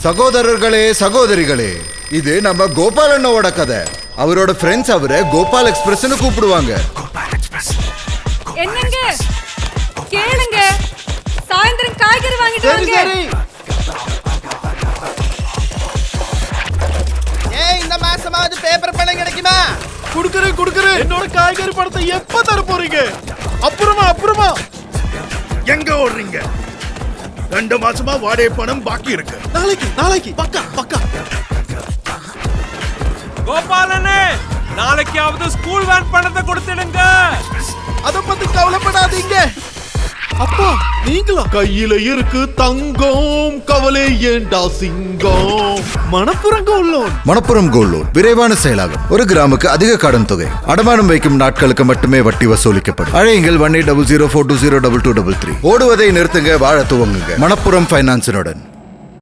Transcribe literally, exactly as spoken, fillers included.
சகோதரர்களே சகோதரிகளே, இது நம்ம கோபால் அண்ணாவோட கதை. அவரோட ஃப்ரெண்ட்ஸ் அவரை கோபால் எக்ஸ்பிரஸ்னு கூப்பிடுவாங்க. என்னங்க கேளுங்க, சாயந்தரம் காய்கறி வாங்கிட்டு வாங்க. ஏய், இந்த மாசமாவது பேப்பர் பணம் கிடைக்குமா? குடுக்குறேன் குடுக்குறேன். என்னோட காய்கறி பணத்தை எப்ப தர போறீங்க? அப்புறமா அப்புறமா. எங்க ஓடுறீங்க? ரெண்டு மாசமா வாடகை பணம் பாக்கி இருக்கு. நாளைக்கு நாளைக்கு பக்கா பக்கா. கோபாலனே, நாளைக்காவது ஸ்கூல் வேன் பணத்தை கொடுத்துடுங்க. அத பத்தி கவலைப்படாதீங்க. அப்பா நீங்களா? கையில இருக்கு தங்கம், கவலை ஏண்டா சிங்கம். Manappuram gold loan. Manappuram gold loan விரைவான செயலாகும். ஒரு கிராமுக்கு அதிக கடன் தொகை. அடமானம் வைக்கும் நாட்களுக்கு மட்டுமே வட்டி வசூலிக்கப்படும். அழையுங்கள் one eight double zero four two zero double two double three. ஓடுவதை நிறுத்துங்க, வாழ துவங்குங்க. மணப்புறம் பைனான்ஸினுடன்.